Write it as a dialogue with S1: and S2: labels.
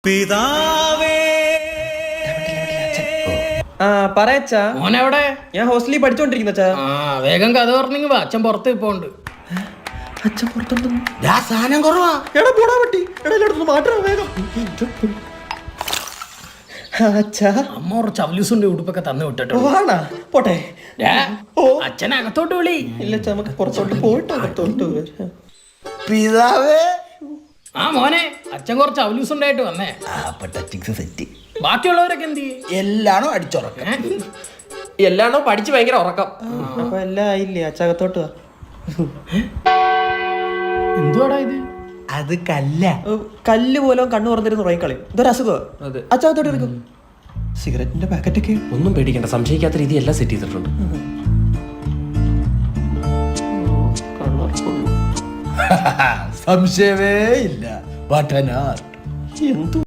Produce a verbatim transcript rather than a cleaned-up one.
S1: പിതാവേ
S2: ആ പറയച്ചാ
S3: മോനെവിടെ?
S2: ഞാൻ ഹോസ്റ്റലിൽ പഠിച്ചോണ്ടിരിക്കുന്ന അച്ഛാ.
S3: ആ വേഗം കഥ പറഞ്ഞെങ്കി വാ, അച്ഛൻ പുറത്ത് ഇപ്പൊ ഉണ്ട്.
S2: അച്ഛൻ പുറത്തുണ്ടെന്ന്
S1: സാധനം കുറവാ.
S2: എടാ പോടാ പറ്റി എടാ എല്ലായിടത്തും മാറ്റണം വേഗം. അച്ഛാ
S3: അമ്മ കുറച്ച് അവലൂസുണ്ട് ഉടുപ്പൊക്കെ തന്നു വിട്ടിട്ടു.
S2: വാണാ പോട്ടെ. ഓ
S3: അച്ഛൻ അകത്തോട്ട് വിളി.
S2: ഇല്ല അച്ഛാ നമുക്ക് പുറത്തോട്ട് പോയിട്ട് അകത്തോട്ട് വരാം.
S1: പിതാവേ
S3: ആ മോനെ, അച്ഛൻ കുറച്ച് അവലൂസ് ഉണ്ടായിട്ട് വന്നേ.
S1: സെറ്റ്
S3: ബാക്കിയുള്ളവരൊക്കെ എന്ത് ചെയ്യും?
S1: എല്ലാണോ അടിച്ചുറക്കം.
S2: എല്ലാണോ പഠിച്ച് ഭയങ്കര ഉറക്കം. അപ്പൊ എല്ലാം ആയില്ലേ അച്ഛാ അകത്തോട്ട് വാ.
S3: എന്തുവാടാ ഇത്?
S1: അത് കല്ല.
S2: ഓ, കല്ല് പോലും കണ്ണു തുറന്നിരുന്ന് ഉറങ്ങിക്കളയും. ഇതൊരു അസുഖമാണ്. അച്ഛാ അകത്തോട്ട് എടുക്കും. സിഗരറ്റിന്റെ പാക്കറ്റൊക്കെ
S4: ഒന്നും പേടിക്കണ്ട, സംശയിക്കാത്ത രീതി എല്ലാം സെറ്റ് ചെയ്തിട്ടുണ്ട്.
S1: സംശയമേ ഇല്ല.
S2: എന്തു